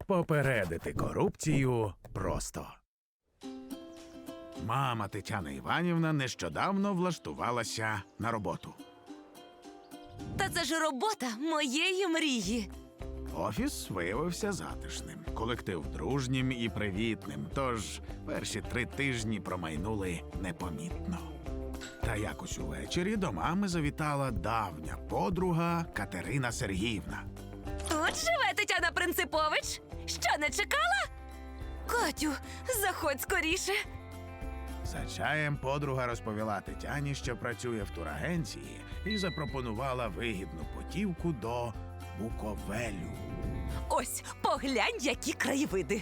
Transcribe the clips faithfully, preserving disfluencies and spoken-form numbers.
Попередити корупцію просто. Мама Тетяна Іванівна нещодавно влаштувалася на роботу. Та це ж робота моєї мрії. Офіс виявився затишним, колектив дружнім і привітним, тож перші три тижні промайнули непомітно. Та якось увечері до мами завітала давня подруга Катерина Сергіївна. Тут живе Тетяна Принципович? Що, не чекала? Катю, заходь скоріше. За чаєм подруга розповіла Тетяні, що працює в турагенції, і запропонувала вигідну путівку до Буковелю. Ось, поглянь, які краєвиди.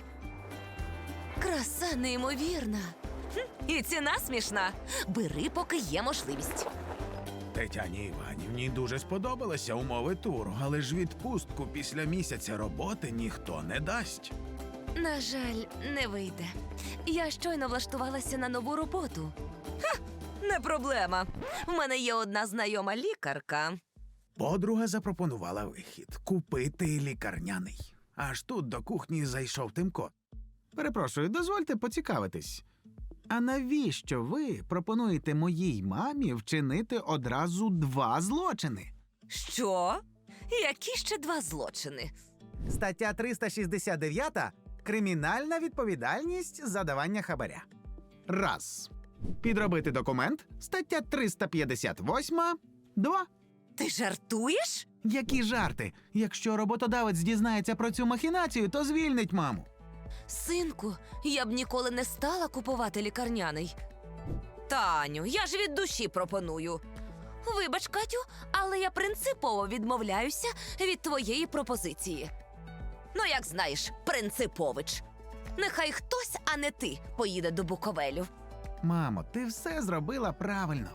Краса неймовірна. Хм, і ціна смішна. Бери, поки є можливість. Тетяні Іванівні дуже сподобалися умови туру, але ж відпустку після місяця роботи ніхто не дасть. На жаль, не вийде. Я щойно влаштувалася на нову роботу. Ха, не проблема. В мене є одна знайома лікарка. Подруга запропонувала вихід – купити лікарняний. Аж тут до кухні зайшов Тимко. Перепрошую, дозвольте поцікавитись. А навіщо ви пропонуєте моїй мамі вчинити одразу два злочини? Що? Які ще два злочини? Стаття триста шістдесят дев'ять – кримінальна відповідальність за давання хабаря. Раз. Підробити документ. Стаття триста п'ятдесят вісім. Два. Ти жартуєш? Які жарти? Якщо роботодавець дізнається про цю махінацію, то звільнить маму. Синку, я б ніколи не стала купувати лікарняний. Таню, я ж від душі пропоную. Вибач, Катю, але я принципово відмовляюся від твоєї пропозиції. Ну, як знаєш, Принципович. Нехай хтось, а не ти, поїде до Буковелю. Мамо, ти все зробила правильно.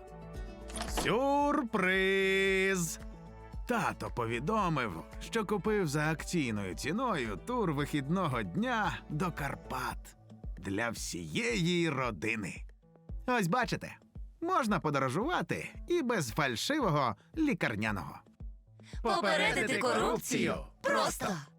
Сюрприз! Тато повідомив, що купив за акційною ціною тур вихідного дня до Карпат для всієї родини. Ось бачите, можна подорожувати і без фальшивого лікарняного. Попередити корупцію просто!